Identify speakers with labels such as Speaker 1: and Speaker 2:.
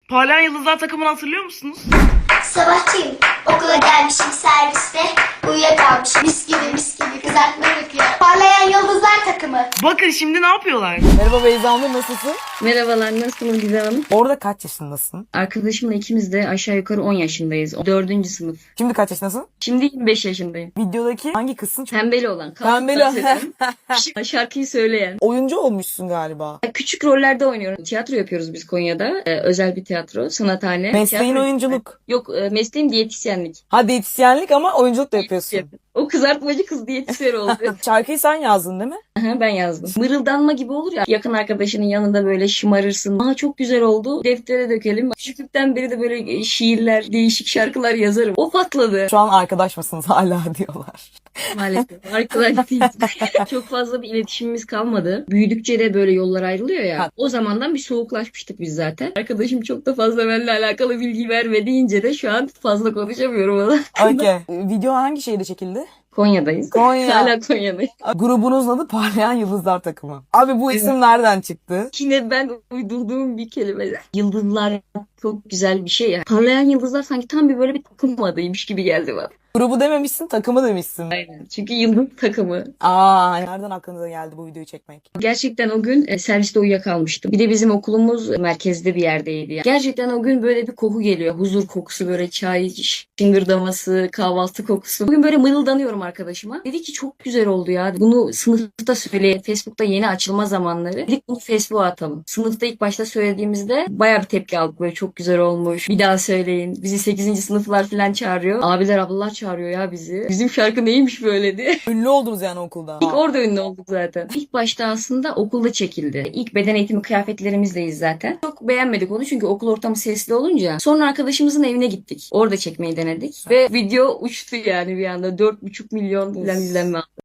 Speaker 1: Parlayan Yıldızlar takımını hatırlıyor musunuz?
Speaker 2: Sabahçıyım. Okula gelmişim serviste. Uyuyakalmışım. Mis gibi kızartma yapıyor. Parlayan Yıldızlar takımı.
Speaker 1: Bakın şimdi ne yapıyorlar?
Speaker 3: Merhaba Beyza Nur, nasılsın?
Speaker 4: Merhabalar, nasılsınız Gizem Hanım?
Speaker 3: Orada kaç yaşındasın?
Speaker 4: Arkadaşımla ikimiz de aşağı yukarı 10 yaşındayız. 4. sınıf.
Speaker 3: Şimdi kaç yaşındasın?
Speaker 4: Şimdi 25 yaşındayım.
Speaker 3: Videodaki hangi kızsın?
Speaker 4: Pembeli olan.
Speaker 3: Pembeli.
Speaker 4: dans eden, şarkıyı söyleyen.
Speaker 3: Oyuncu olmuşsun galiba.
Speaker 4: Küçük rollerde oynuyorum. Tiyatro yapıyoruz biz Konya'da. Özel bir tiyatro, sanathane.
Speaker 3: Mesleğin
Speaker 4: Tiyatro-
Speaker 3: oyunculuk.
Speaker 4: Yok, mesleğim diyetisyenlik.
Speaker 3: Ha, diyetisyenlik ama oyunculuk da yapıyorsun.
Speaker 4: O kızartmacı kız diyetisyen oldu.
Speaker 3: Şarkıyı sen yazdın değil mi?
Speaker 4: Aha, ben yazdım. Mırıldanma gibi olur ya. Yakın arkadaşının yanında böyle şımarırsın. Aa, çok güzel oldu. Deftere dökelim. Küçüklükten beri de böyle şiirler, değişik şarkılar yazarım. O patladı.
Speaker 3: Şu an arkadaş mısınız hala diyorlar.
Speaker 4: Maalesef. Arkadaş değiliz. Çok fazla bir iletişimimiz kalmadı. Büyüdükçe de böyle yollar ayrılıyor ya.
Speaker 3: Ha.
Speaker 4: O zamandan bir soğuklaşmıştık biz zaten. Arkadaşım çok da fazla benimle alakalı bilgi vermediğince de şu an fazla konuşamıyorum ona.
Speaker 3: Okey. Video hangi şehirde çekildi?
Speaker 4: Konya'dayız.
Speaker 3: Konya.
Speaker 4: Hala Konya'dayız.
Speaker 3: Grubunuzun adı Parlayan Yıldızlar takımı. Abi bu isim nereden çıktı?
Speaker 4: Yine ben uydurduğum bir kelime. Yıldızlar çok güzel bir şey ya. Parlayan yıldızlar sanki tam bir böyle bir takım adıymış gibi geldi bana.
Speaker 3: Grubu dememişsin, takımı demişsin.
Speaker 4: Aynen. Çünkü yıldız takımı.
Speaker 3: Aa, nereden aklınıza geldi bu videoyu çekmek?
Speaker 4: Gerçekten o gün serviste uyuyakalmıştım. Bir de bizim okulumuz merkezde bir yerdeydi. Yani. Gerçekten o gün böyle bir koku geliyor. Huzur kokusu, böyle çay şıngırdaması, kahvaltı kokusu. Bugün böyle mırıldanıyorum arkadaşıma. Dedi ki çok güzel oldu ya. Bunu sınıfta söyleyelim. Facebook'ta yeni açılma zamanları. Dedik bunu Facebook'a atalım. Sınıfta ilk başta söylediğimizde bayağı bir tepki aldık. Böyle çok güzel olmuş. Bir daha söyleyin. Bizi 8. sınıflar falan çağırıyor. Abiler ablalar çağırıyor ya bizi. Bizim şarkı neymiş böyle diye.
Speaker 3: Ünlü oldunuz yani okulda.
Speaker 4: İlk orada ünlü olduk zaten. İlk başta aslında okulda çekildi. İlk beden eğitimi kıyafetlerimizdeyiz zaten. Çok beğenmedik onu çünkü okul ortamı sesli olunca. Sonra arkadaşımızın evine gittik. Orada çekmeyi denedik. Ve video uçtu yani bir anda. 4,5 milyon falan izlenme aldı.